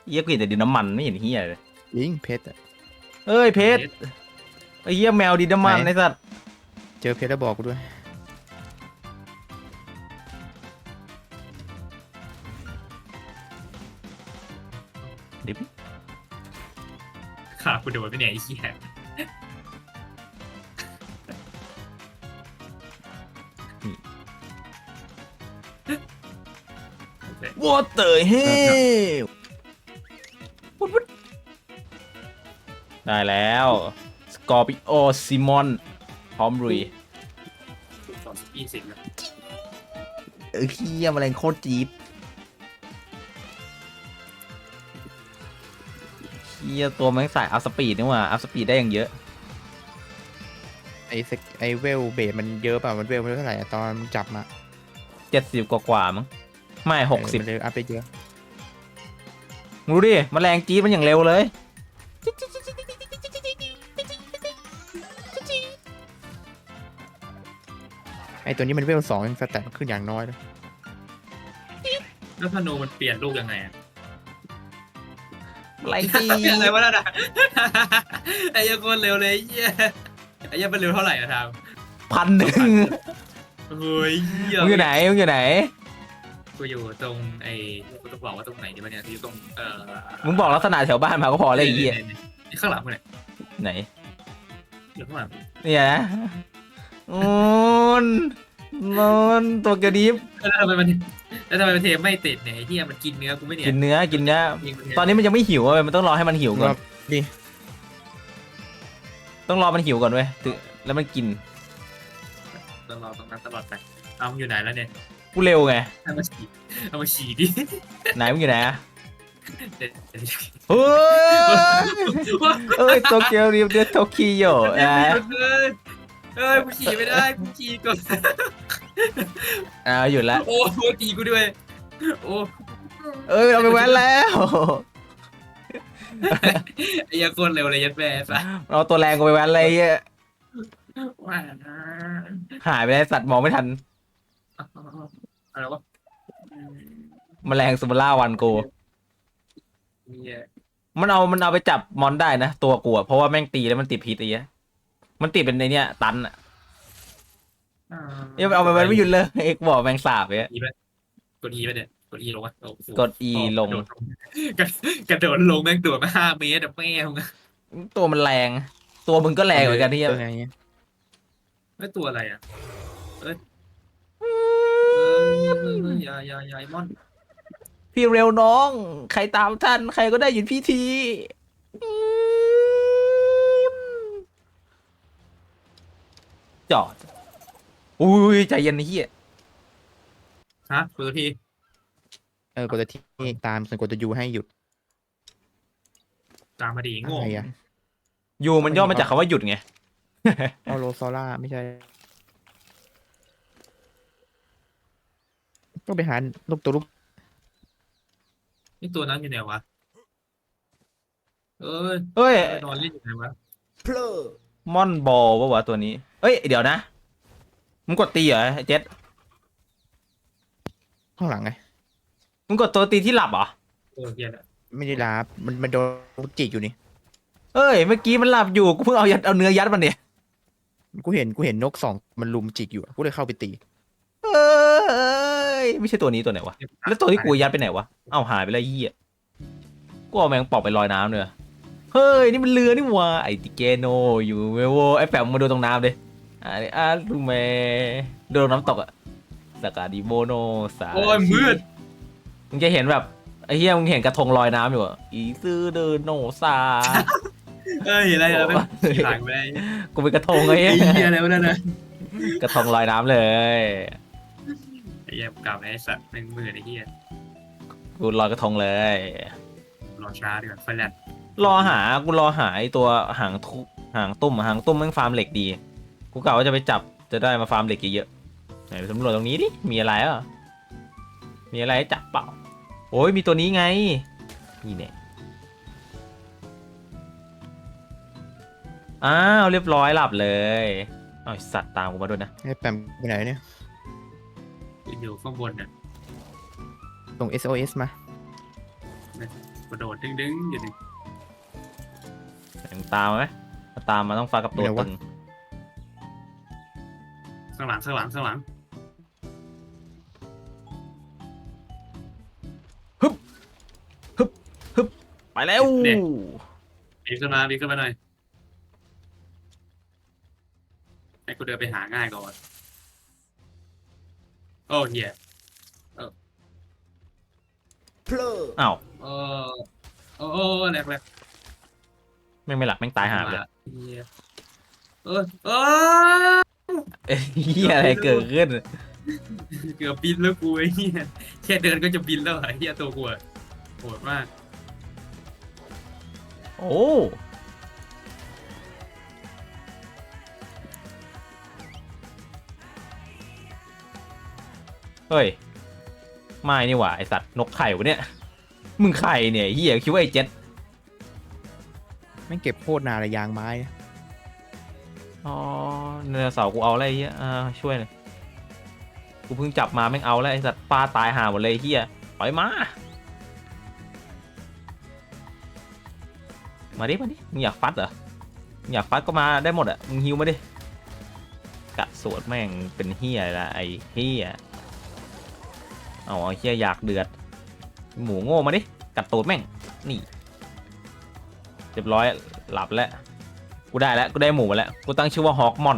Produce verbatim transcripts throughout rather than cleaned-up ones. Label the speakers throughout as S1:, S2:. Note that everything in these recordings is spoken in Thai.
S1: เยี่ยกลิ่นแต่ดินน้ำมันไม่เห็นเฮียเลย
S2: ยิงเพชรอะ
S1: เอ้ยเพชรไอ้เฮียแมวดินน้ำมันไอ้สัตว์
S2: เจอเพชรแล้วบอกกูด้วย
S1: ดิบ
S3: ขากูโดนไปเนี่ยไอ้เหี้ย
S1: วอเตอร์เฮลได้แล้วสกอร์ปิโอซิมอนพร้อมรุย
S3: สองสิบยี่สิบแล้ว
S1: เออเฮียแมลงโคตรจี๊ดเฮียตัวแม่งใส่อัพสปีดนี่หว่าอัพสปีดได้อย่างเยอะ
S2: ไอ้เซ็กไอ้เวลเบสมันเยอะเปล่ามันเวลมันเท่าไหร่อะตอนมึงจับมา
S1: เจ็ดสิบกว่าๆมั้งไม่หกสิบ
S2: เออมันเลยอัพไปเยอะ
S1: รู้ดิแมลงจี๊ดมันอย่างเร็วเลย
S2: ไอ้ตัวนี้มันเวลสองยังสแตทขึ้นอย่างน้อยเลย
S3: แล้วธนูมันเปลี่ยนลูกยังไงอะ
S1: แมลงจี๊ด
S3: อะไรวะนั่นอะไอ้เหี้ยังคนเร็วเลยไอ้เหี้ยไอ้เหี้ยังมันเร็วเท่าไหร่อะทาม
S1: พันหนึ่ง
S3: เฮ้ยเหี้ย
S1: มึงอยู่ไหนมึงอยู่ไหน
S3: กูอยู่ตรงไอ้กูต้องบอกว่าตรงไหนดีวะเนี่ยอยู่ตรงเอ่อ
S1: มึงบอกลักษณะแถวบ้านมาก็พอเลยไอ้เหี้ย
S3: นี่ข้างหลังมึงเนี่ย
S1: ไหน
S3: อยู่ข้างหลัง
S1: เนี่ยนะนอนนอนตัวกระดิบ
S3: แล้วทำไมมันแล้วทำไมมันเทไม่ติดเนี่ยไอ้เหี้ยมันกินเนื้อกูไม่เนี่ย
S1: กินเนื้อกินเนื้อ
S3: ยิงมัเย
S1: ตอนนี้มันยังไม่หิวเว้ยมันต้องรอให้มันหิวก่อน
S2: ดิ
S1: ต้องรอมันหิวก่อนเว้ยถึงแล้วมันกิน
S3: ต้องรอตรงนั้นตลอดไปเอามึงอยู่ไหนแล้วเนี่ย
S1: กูเร็วไง
S3: เอามาฉีดเอามาฉีดดิ
S1: ไหนมึงอยู่ไหนอะ
S3: เดี๋ยวเดี๋ยว
S1: เฮ้ยเอ้ยโตเกียวริวเดโตคิโย
S3: เดี๋ยว
S1: อ่ะ
S3: เดี๋ยวเอ้ยกูฉีดไม่ได้กูฉีดก่อน
S1: อ่าหยุดละ
S3: โอ้โหตีกูด้วยโอ้
S1: เอ้ยเอาไปแว้นแล้ว
S3: ไอ้เหี้ยโคนเร็วเลยยัดแม่ซะ
S1: เอาตัวแรงกูไปแว้นเลยไอ้เหี้ย
S3: ว่า
S1: หายไปแล้วสัตว์มองไม่ทัน
S3: อะไรวะ
S1: แมลงซูมาร่าวันกู
S3: เนี่ย
S1: มันเอามันเอาไปจับมอนได้นะตัวกูอะเพราะว่าแม่งตีแล้วมันติดพิษไอ้เหี้ยมันติดเป็นในเนี้ยตันอะเอ้ยเอาไปแว้นไม่หยุดเลยเอ็กบอกแมงสาบเนี่ย
S3: อีไปกดอีไปเนี่ยกดอีลงวะโอ้โห
S1: กด E ลง
S3: กระกระโดดลงแม่งโดดมาห้าเมตรอะแม่ง
S1: ตัวมันแรง ตัวมึงก็แรงเหมือนกันที่
S2: ตัวไงเนี่ย
S3: ไม่ตัวอะไรอ่ะเอ้ยเออยายายายมอน
S1: พี่เร็วน้อง ใครตามท่าน ใครก็ได้หยุดพี่ทีจอด อุ้ยใจเย็นนะเฮีย
S3: ฮะเปิดที
S2: เออกดตัวที่ตามส่วนกดตัวยูให้หยุด
S3: ตามมาดี
S2: อะ
S3: โง่
S2: ไรอะ
S1: ยูมันย่อมาจากคำว่าหยุดไง
S2: เอาโลซอล่าไม่ใช่ต้องไปหาลูกตัวลูก
S3: นี่ตัวนั้นอยู่ไหนวะเอ้ย
S1: เฮ้ย
S3: ไปนอนเล่นอยู่ไหนวะ
S1: มอนบอลปะวะตัวนี้ เอ้ย เดี๋ยวนะ มึงกดตีเหรอไอ้เจ็ด
S2: ข้างหลังไง
S1: มึงกดตัวตีที่หลับเหรอ
S3: เออเฮียแหละ
S2: ไม่ได้ลาบมันมันโดนลูกจิกอยู่นี่
S1: เอ้ย เมื่อกี้มันหลับอยู่ กูเพิ่งเอายัดเอาเนื้อยัดมันเนี่ย
S2: กูเห็นกูเห็นนกสองมันลุมจิกอยู่อะกูเลยเข้าไปตี
S1: เอ้ย ไม่ใช่ตัวนี้ตัวไหนวะ แล้วตัวที่กูยัดไปไหนวะ เอ้าหายไปแล้วยี่อ่ะกูเอาแมงป่องไปลอยน้ำเลยอะเฮ้ย นี่มันเรือนี่หว่าไอติเกโนอยู่เวโวไอแปมมาดูตรงน้ำเลยอ่าอ่าลูเมดูตรงน้ำตกอะสกาดิโมโนสา
S3: โอ้ยมืด
S1: มึงจะเห็นแบบไอ้เหี้ยมึงเห็นกระทงลอยน้ำอยู่อะอีซื้อเดินโนซา
S3: เอ้ยอะไรอะไรไม่หลังไป
S1: กูเป็นกระทงไอ้
S3: ไอ้
S1: เหี้ย
S3: เฮียอะไรวะนั่นนะ
S1: กระทงลอยน้ำเลย
S3: ไอ้เฮียกลับไอ้สัตว์หนึ่งหมื่นไอ้เฮีย
S1: กูลอยกระทงเลย
S3: รอช้าดีกว่าไฟแลนด์
S1: รอหา กูรอหาไอตัวหางทุหางตุ้มอะหางตุ้มแม่งฟาร์มเหล็กดี กูกะว่าจะไปจับ จะได้มาฟาร์มเหล็กเยอะๆไหนไปสำรวจตรงนี้ดิ มีอะไรอ่ะ มีอะไรให้จับเปล่า โอ้ยมีตัวนี้ไง นี่เนี่ยอ้าวเรียบร้อยหลับเลยอ้าวไอ้สัตว์ตามกูมาด้วยนะ
S2: ไอ้แปมไปไหนเนี่ย
S3: อยู่ข้างบนเนี่ย
S2: ส่ง เอส โอ เอส มา
S3: กระโดดดึงดึงอยู่ดิ
S1: ยังตามไหมถ้าตามมาต้องฟ้ากับตัวตึง
S3: ข้างหลังข้างหลังข้างหลัง
S1: ไปแล้ว
S3: บีบขึ้นมาบีบขึ้นมาหน่อยให้กูเดินไปหาง่ายก่อนโอ้เหี้ย
S1: อ้าว
S3: เออโอ้โอ้แหลกแหลก
S1: แม่งไม่หลักแม่งตายหาเลย
S3: เหี้ยเออเออ
S1: เอ้ยเหี้ยอะไรเกิดขึ้น
S3: เกือบบินแล้วกูไอ้เหี้ยแค่เดินก็จะบินแล้วไอ้เหี้ยตัวกูอะโหดมาก
S1: โอ้เฮ้ยไม่นี่หว่าไอสัตว์นกไข่วะเนี่ยมึงไข่เนี่ยเหี้ยคิดว่าไอเจ็ด
S2: แม่งเก็บโคตรนานเลยยางไม้นะ
S1: อ๋อเนื้อเสาร์กูเอาอะไรเฮียอ่าช่วยหน่อยกูเพิ่งจับมาแม่งเอาแล้วไอสัตว์ปลาตายห่าหมดเลยเฮียปล่อยมามาดิมาดิมึงอยากฟัดเหรอมึงอยากฟัดก็มาได้หมดอ่ะมึงฮิวมาดิกะสวดแม่งเป็นเฮียละไอเฮียเอาไอเฮียอยากเดือดหมูโง่มาดิกัดตูดแม่งนี่เรียบร้อยหลับแล้วกูได้แล้วกูได้หมูมาแล้วกูตั้งชื่อว่าฮอกมอน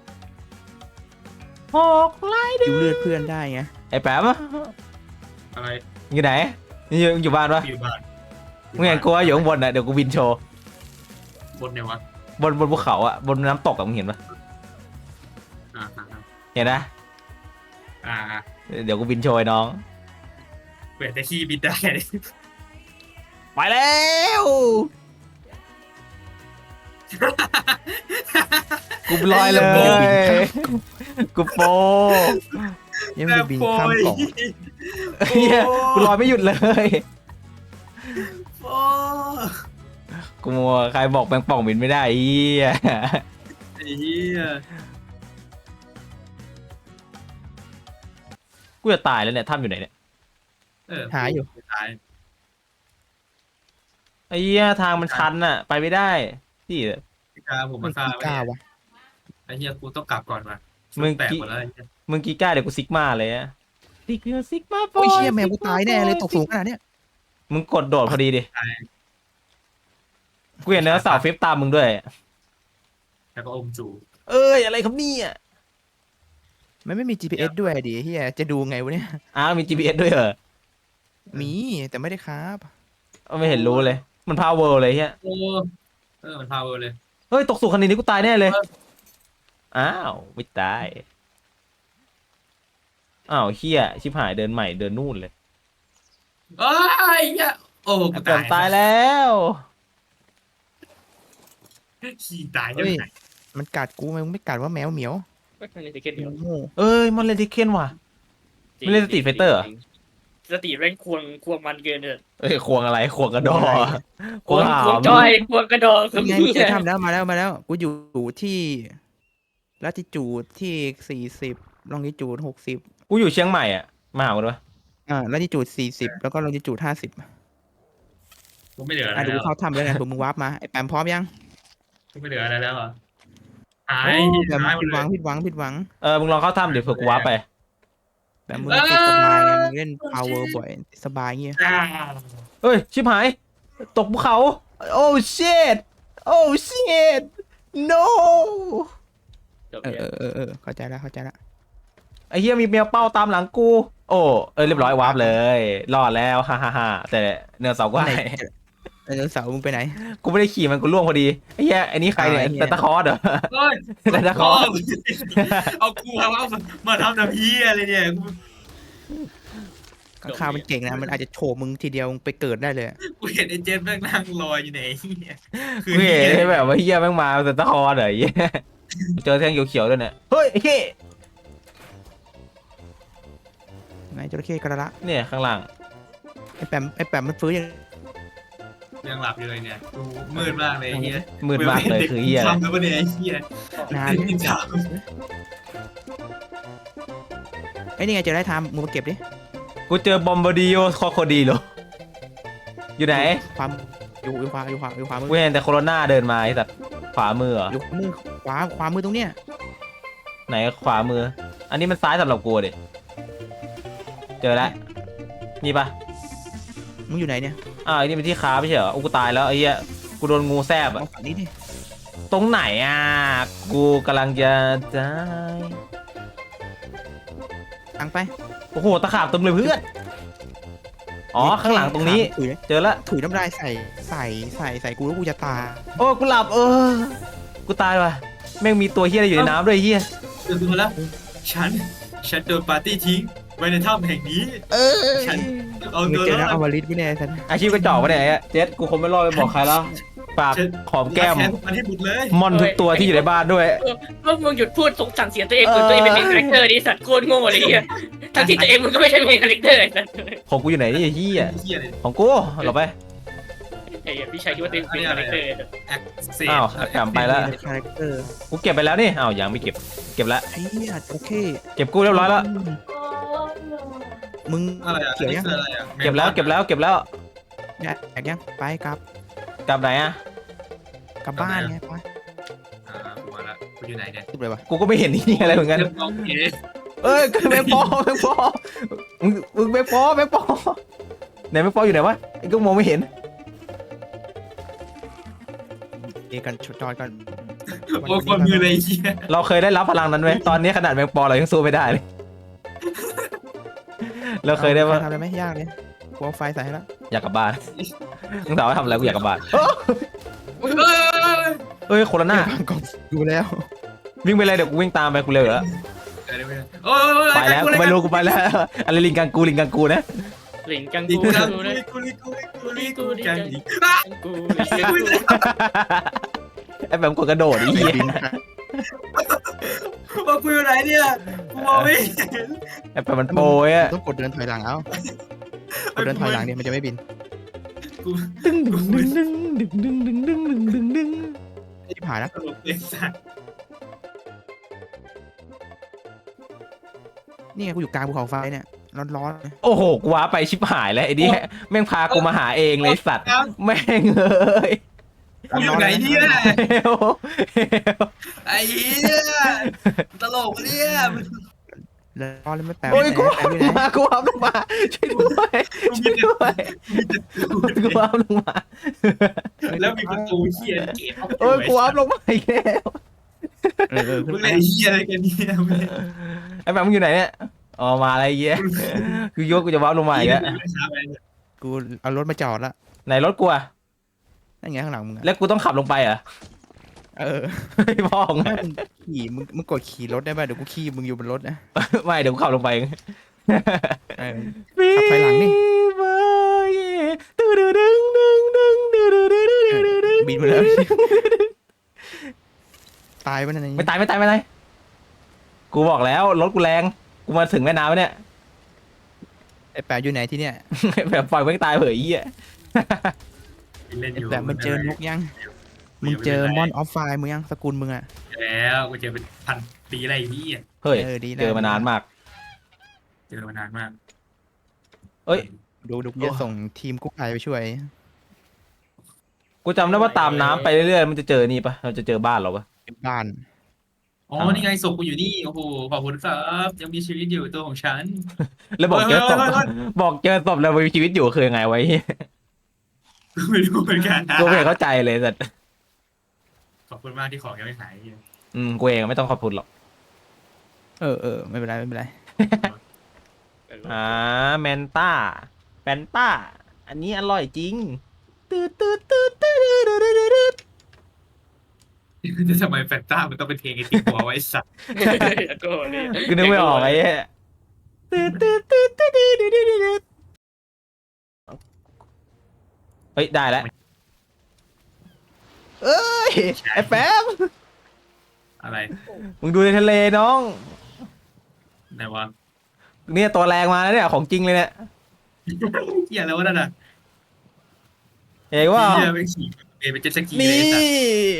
S1: ฮอกไล่
S2: ดูเลือดเพื่อนได้ไง
S1: ไอ้แป๊บ
S3: อะไร
S1: อยู่ไหนอยู่อยู่บ้านปะ
S3: อยู่บ้าน
S1: มึงเห็นกูว่าอยู่ข้างบนอ่ะเดี๋ยวกูบินโชว์
S3: บนเนี่ยวะ
S1: บนบนภูเขาอ่ะบนน้ำตกอ่ะมึงเห็นปะ
S3: อ่าอ่า
S1: เห็นนะ
S3: อ่า
S1: เดี๋ยวกูบินโชว์ไอ้น้อง
S3: เปิดแต่ขี้บินได้เลย
S1: ไปแล้วกูลอยเลยกูโป
S2: ยังไม่ได้บินข้ามเกาะ
S1: เฮียกูลอยไม่หยุดเลย
S3: โอ้
S1: กูมัวใครบอกแมงป่องบินไม่ได้เฮีย
S3: ไอ้เหี้ย
S1: กูจะตายแล้วเนี่ยถ้ำอยู่ไหนเนี่ย
S3: เออ
S2: หาอยู่
S3: หาย
S1: ไอ้เหี้ยทางมันชันอ่ะไปไม่ได้ที่
S3: พี่กาผม
S2: มั
S3: มาน ฆ่า
S2: กี่
S3: ไว้
S2: ก้า
S3: เนี่ยว
S2: ะ
S3: ไอ้เหี้ยกูต้องกลับก่อนว่ะ
S1: มึง
S3: แตก
S1: กี่
S3: หมดแล้วไอ้เหี้ย
S1: มึงกีก้าเดี๋ยวกูซิกมาเลยอะซิกมาซิกมา
S2: โอ้ยเชี่ยแมวกูตายแน่เลยตกสูงขนาดเนี้ย
S1: มึงกดโดดพอดีดิ
S3: ตาย
S1: กูเห็นเนื้อเสาฟิปตามมึงด้วย
S3: แล้วก็อมจู
S1: เอ้ยอะไรครับเนี่ย
S2: มันไม่มี จี พี เอส ด้วยดิเฮียจะดูไงวะเนี่ย
S1: อ้าวมี จี พี เอส ด้วยเหรอ
S2: มีแต่ไม่ได้ครับ
S1: ไม่เห็นรู้เลยมันพาวเวอร์เลยเฮีย
S3: โอ้เออมันพาวเวอร์เลย
S1: เฮ้ยตกสู่คันนี้กูตายแน่เลยอ้าวไม่ตายอ้าวเฮียชิบหายเดินใหม่เดินนู่นเลย
S3: เอ้ยเหี้ยโอ้กู
S1: เกิ
S3: ตาน ย
S1: ตายแล้ว
S3: ขี้ตายยัง
S2: เฮ้ย
S3: ไง
S2: มันกัดกูมันไม่กัดว่าแมวเหมียว
S4: ไม่เคยเล่นสเก็ตเดียว
S2: โง่
S1: เอ้ยมันเล่นทิเคนว่ะ ไม่เล่น Street Fighter เหรอ
S4: สตรีทแม่งควงควงมันเกินเลย
S1: เอ้ยควงอะไรควงกระดอคว
S4: คว
S1: ง
S4: ง
S1: หา
S4: ควง
S1: ม
S4: จอยควงกระดอง
S2: ยังไงกูจะทำแล้วมาแล้วมาแล้ว กูอยู่ที่ลัติจูดที่สี่สิบลองดิจูดหกสิบ
S1: กูอยู่เชียงใหม่อ่ะมาหากูด้วย
S2: อ่าลัติจูดสี่สิบแล้วก็ลองดิจูดห้าสิบ
S3: กูไม่เหลืออะไร
S2: อ่ะดู
S3: แล้ว
S2: เขาทำแล้วไงผมมึงวาร์ปมาไอ้แปมพร้อมยัง
S3: กูไม่เหลืออะไรแล้วอ่ะหา
S2: โอ้
S3: ย
S2: แปม
S3: หายหม
S2: ผิ
S3: ด
S2: ดห
S3: เล
S2: วั
S3: ย
S2: งผิดหวังผิดหวัง
S1: เออมึงลองเข้าถ้ำเดี๋ยวเผื่อกูว้าร์ปไป
S2: แปมมึงติดสบายไงมึงเล่น power บ่อยติดสบายเงี้ย
S3: อ่า
S1: เอ้ย ชิบหาย ตกภูเขา โอ้ shit โอ้ shit no
S4: จบ
S2: เออ
S4: เนี่ย
S2: เออเออเออเข้าใจแล้วเข้าใจแล้ว
S1: ไอ้เหี้ยมีแมวเป้าตามหลังกู โอ้ เออเรียบร้อยวาร์ปเลย รอดแล้ว ฮ่าฮ่าฮ่าแต่เนื้อเสาก็
S2: ไหน
S1: ให้
S2: ไดโนเสาร์มึงไปไหน
S1: กูไม่ได้ขี่มันกูล่วงพอดี ไอ้เหี้ยไอ้นี่ใครเนี่ย
S2: อ่าไอ้เหี้ย
S1: แต่ตะคอร์ดเหรอ
S3: เฮ้ย
S1: แต่ตะคอร์ด
S3: เอากูเอาเอามาทำน้ำพีอะไรเนี่ยกู
S2: ข้างคาวมันเก่งนะมันอาจจะโฉบมึงทีเดียวมึงไปเกิดได้เลย
S3: กูเห็นไอ้เจนแม่งนั่งลอยอยู่ไหนเนี่ยคือ
S1: กูเห็นแบบว่าเหี้ยแม่งมาแต่ตะคอร์ดเหรอไอ้เหี้ยเจอแท่งเขียวๆด้วยเนี่ย เฮ้ยไอ้เหี้ย
S2: ไงจระเข้กระละ
S1: เนี่ยข้างล่าง
S2: ไอ้แปมไอ้แปมมันฟื้นยัง
S3: ยังหลับอยู่เลยเนี่ยกูมืดมากเลยไอ้เฮีย
S1: มืดมากเลยคือเหี้ยอะไร
S3: ทำแล้วปะเนี่ยไอ้เฮีย
S2: นาน
S3: กินข้าว
S2: ไอ้นี่ไงเจะได้ทำมึงมาเก็บดิ
S1: กูเจอบอมบาดิโอคอโคดีโลโยอยู่ไหน
S2: ความอยู่อยู่ขวาอยู่ขวาอยู่ขวามือ
S1: กูเห็นแต่โคโรนาเดินมาไอ้สัตว์ขวามือเหรอ
S2: อยู่ขวามือขวาขวามือตรงเนี้ย
S1: ไหนขวามือ อันนี้มันซ้ายสำหรับกูดิเจอแล้วนี่ปะ
S2: มึงอยู่ไหนเนี่ย
S1: อ้าวไอ้นี่เป็นที่ค้าไม่ใช่เหรอโอ้กูตายแล้วไอ้เหี้ยกูโดนงูแซบอะ
S2: เอาฝั่งนี้ดิ
S1: ตรงไหนอ่ะกูกำลังจะตาย
S2: ทางไป
S1: โอ้โหตะขาบเต็มเลยเพื่อนอ๋อข้างหลังตรงนี้
S2: ถุย
S1: เจอแล้ว
S2: ถุยน้ำลายใส่ใส่ใส่ใส่กูแล้วกูจะตาย
S1: โอ้กูหลับเออกูตายว่ะแม่งมีตัวเฮี้ยอะไรอยู่ในน้ำด้วยเฮี้ย
S3: เดินมาแล้วฉันฉันโดนปาร์ตี้ทิ้งไว้ในถ้ำแห่งนี้
S1: เออ
S3: ฉันเอา
S2: มึง
S3: ตัว
S2: เจอ
S3: ร
S2: แล้ว
S3: อ
S2: เอา
S3: ด
S2: วาลิสไม่แน่สัน
S1: อาชีพกระจอกปะเนี่ยไอ้เจ็ดกูคงไม่รอดไปบอกใครแล้วปากหอมแก้ม
S3: แค้นมันให้หมดเลย
S1: มอนทุกตัวที่อยู่ในบ้านด้วย
S4: เมื่อมึงหยุดพูดสงสั่งเสียตัวเองเหมือนตัวเองเป็นเมนคาแรคเตอร์ดิสัตว์โคตรโง่เลยเฮียทั้งที่ตัวเองมึงก็ไม่ใช่เมนคาแรคเตอร์ไอ้สัตว์
S1: ของกูอยู่ไหนนี่เฮี้ย
S3: เฮียเลย
S1: ของกูหลบไป
S4: ไอ้เหี้ยพี่ชายคิดว่าตัวเองเป็นคาแรคเตอร์
S3: แอคเซ
S1: อ้าวกลับไปแล้ว
S2: คาแรคเตอร์
S1: กูเก็บไปแล้วนี่อ้าวยังไม่เก็บเก็บแล้ว
S2: ไอ้เหี้ยโอเค
S1: เก็บกูเรียบร้อยแล้ว
S2: มึง
S3: อะไรอ่ะ
S2: เขียว
S3: นี่
S2: ยัง
S3: คืออะไรอ่ะ
S1: เก็บแล้วเก็บแล้วเก็บแล้ว
S2: เนี่ยแอกยังไปกลับ
S1: กลับไหนอะ
S2: กลับบ้านไงไป
S3: อ่ากูมาละกูอยู่ไหนเนี่ย
S2: สุดเลยวะ
S1: กูก็ไม่เห็นนี่อะไรเหมือนกัน
S3: เริ่มมองเห็น
S1: เอ้ยแมงปอแมงปอมึงมึงแมงปอแมงปอไหนแมงปออยู่ไหนวะไอ้ก็มองไม่เห็น
S2: เอกันชดจอยกัน
S3: โอ้คนมือเลยเฮีย
S1: เราเคยได้รับพลังนั้นไหมตอนนี้ขนาดแมงปอเรายังสู้ไม่ได้เลย เราเคยได้ว่า
S2: ทำอะไรไหมยากเลยกูเอาไฟใส่ให้แล้ว
S1: อยากกลับบ้านมึงถามว่าทำอะไรกูอยากกลับบ้าน
S3: เอ้ย
S1: เอ้ยโคโรนา
S2: ก่อนดูแล้ว
S1: วิ่งไปเลยเดี๋ยวกูวิ่งตามไปกูเร็วอยู่แล้ว
S3: โอ้ย
S1: ไปแล้วกูไม่รู้กูไปแล้วอะไรลิงกังกูลิงกังกูนะ
S4: หลิงกัง
S3: กู
S4: กู
S3: กู
S4: กูนะ
S3: กูกูกูกูกูกู
S4: กั
S3: กัน
S4: ง
S3: อีก
S4: กู
S1: ไอ้แบบกดกระโดดไอ้เหี้ย
S3: ว่ากูอยู่ไหนเนี่ยกูมองไม่เห็น
S1: ไอ้แบบมันโปรยอะ
S2: ต้องกดเดินถอยหลังเอากดเดินถอยหลังเนี่ยมันจะไม่บิน
S3: กู
S1: ดึงดึงดึงดึงดึงดึงดึงดึงดึงดึง
S2: ที่ผ่านแล้ว
S3: ตลกเลยสัตว์
S2: นี่ไงกูอยู่กลางภูเขาไฟเนี่ยร้อนๆเลย
S1: โอ้โหกูว้าไปชิบหายแล้วไอ้นี่แม่งพากูมาหาเองเลยสัตว์แม่งเอ้ย
S3: กูอยู่ไหนเนี่ย
S1: เฮลเฮล
S3: ไอ้เหี้ยตลกเนี่ย
S2: ร้อนเลยไม่แปล
S1: โอ้ยกู
S2: แปลไม่ได้
S1: มากูว้าลงมาช่วยด้วยช่วยด้วยกูว้าลงมา
S3: แล้วมีประตูเฮียเก็บ
S1: โอ้ยกูว้าลงมาอีกแล้ว
S2: เออเออขึ้
S3: มึ
S2: น
S3: ง
S2: ไป
S3: เล่นเฮียอะไรกันเนี่ย
S1: ไอ้แบบมึงอยู่ไหนเนี่ยอ๋อมาอะไรเงี้ยคือยกกูจะว้าลงมาอีกแล้ว
S2: กูเอารถมาจอดละ
S1: ไหนรถกูอะ
S2: นั่นไงข้างหลังมึงอะ
S1: แล้วกูต้องขับลงไปเหรอ
S2: เออ
S1: ไม่พ่อไง
S2: ถ้ามึงขี่มึงมึงกดขี่รถได้ป่ะเดี๋ยวกูขี่มึงอยู่บนรถนะ
S1: ไม่เดี๋ยวกูขับลงไปเอง
S2: เออ ขับถอยหลังนี่
S1: ตึ้งดึงดึงดึงดึงดึงดึงดึงดึงดึงดึง
S2: บินมาแล้วตายไปนั่นเอง
S1: ไม่ตายไม่ตายไม่ตายกูบอกแล้วรถกูแรงกูมาถึงแม่น้ำแล้วเนี่ย
S2: ไอ้แปะอยู่ไหนที่เนี่ย
S1: แบบปล่อยไม่งตายเผยยี่
S3: เล่น
S2: ไอ้
S3: อยู่
S2: แปะมันเจอนกยังมึงเจอมอนออฟไฟมึงยังสกุลมึงอะ
S3: แล้วกูเจอเป็นพันปีอะไรพี่
S1: เฮ้ย
S2: เออดีแล้ว
S1: เจอมานานมาก
S3: เจอมานานมาก
S1: เอ้ย
S2: ดูดูกูจะส่งทีมกู้ภัยไปช่วย
S1: กูจำได้ว่าตามน้ำไปเรื่อยๆมันจะเจอนี่ปะเราจะเจอบ้านเราปะ
S2: บ้าน
S3: อ๋อนี่ไงศพกูอยู่นี่โอ้โหขอบคุณครับยังมีชีวิตอยู่ตัวของฉัน
S1: แล้วบอกเจอศพ
S3: เฮ้ยเฮ้ยเฮ้ย
S1: บอกเจอศพแล้วมีชีวิตอยู่คือยังไงไว้
S3: กูไม่รู้เหมือนกันนะ
S1: กูไม่เข้าใจเลยแต่
S3: ขอบคุณมากที่ของยังไม่หาย
S1: อืมกูเองไม่ต้องขอบคุณหรอก
S2: เออเออไม่เป็นไรไม่เป็นไร
S1: อ่าแมนต้าแฟนต้าอันนี้อร่อยจริงตืดตืดตืดตืดตืดตืดตืด
S3: จะทำไมแฟนต้ามันต้องเป็นเพลงไอ้ติ๊กหัวไว้สัตว์
S4: ก็เลย
S1: กูนึกไม่ออกไอ้เหี้ยตืดตืดตืดตืดตืดตืดตืดเฮ้ยได้แล้วเอ้ยไอ้แฟม
S3: อะไร
S1: มึงดูในทะเลน้อง
S3: ไหนวะ
S1: เนี่ยตัวแรงมาแล้วเนี่ยของจริงเลยเนี่ย
S3: เฮียแล้ววะนั่นน่ะ
S1: เห็นว่า
S3: เฮียเป็นขี่เป็นเจ็ตสกีเลย
S1: นี่
S3: สัตว์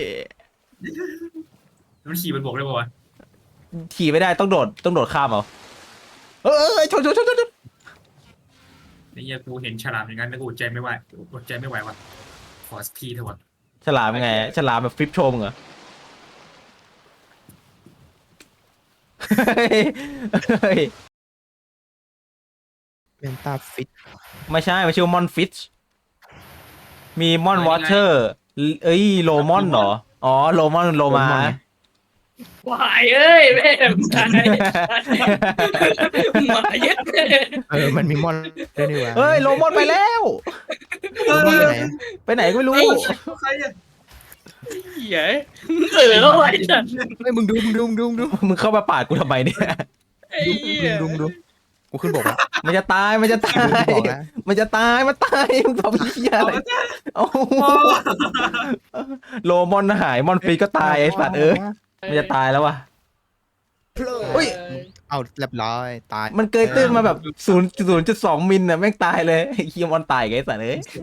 S3: มันขี่มันบกได้ป่าวะ
S1: ขี่ไม่ได้ต้องโดดต้องโดดข้ามเอาเอ้ยชนชนชนชนชน
S3: ไอ้เหี้ยกูเห็นฉลามอย่างนั้นแล้วกูอดใจไม่ไหวอดใจไม่ไหวว่ะขอสักทีเถอะวะ
S1: ฉลามไงฉลามแบบฟลิปโชว์มึงเหรอเฮ้ยเฮ้ย
S2: เป็นตาฟิต
S1: ไม่ใช่มันชื่อมอนฟิชมีมอนวอเตอร์เอ้ยโลมอนเหรออ๋อโลมอนโลมา
S4: วายเอ้ยแม่งตายหมาเย็ด
S2: เออมันมีมอนด้วยนี่หว่า
S1: เฮ้ยโลมอนไปแล้ว
S2: โลมอนไปไหน
S1: ไปไหนก็ไม่รู้
S3: ใครอ่ะ
S4: เหี้ยเออแล้วไอ้สัตว์
S2: เฮ้ยมึงดูมึงดูมึงดูมึงดู
S1: มึงเข้ามาปาดกูทำไมเนี่ย
S4: ไอ้เหี้ย
S2: ดูมึงดูกูขึ้นบอกแล้ว
S1: มันจะตายมันจะตา
S2: กูขึ้น
S1: ย
S2: บอกแล้ว
S1: มันจะตายมันตายมึงทำเหี้ยอะไรเอ้าโลมอนหายมอนฟรีก็ตายไอ้สัตว์เอ้ยมันจะตายแล้ววะ
S2: เฮ้ยเอาเรียบร้อยตาย
S1: มันเกยตื้นมาแบบศูนย์ศูนย์จุดสองมิลน่ะแม่งตายเลยไอ้เคียมอนตายไงไอ้สัตว์เอ้ย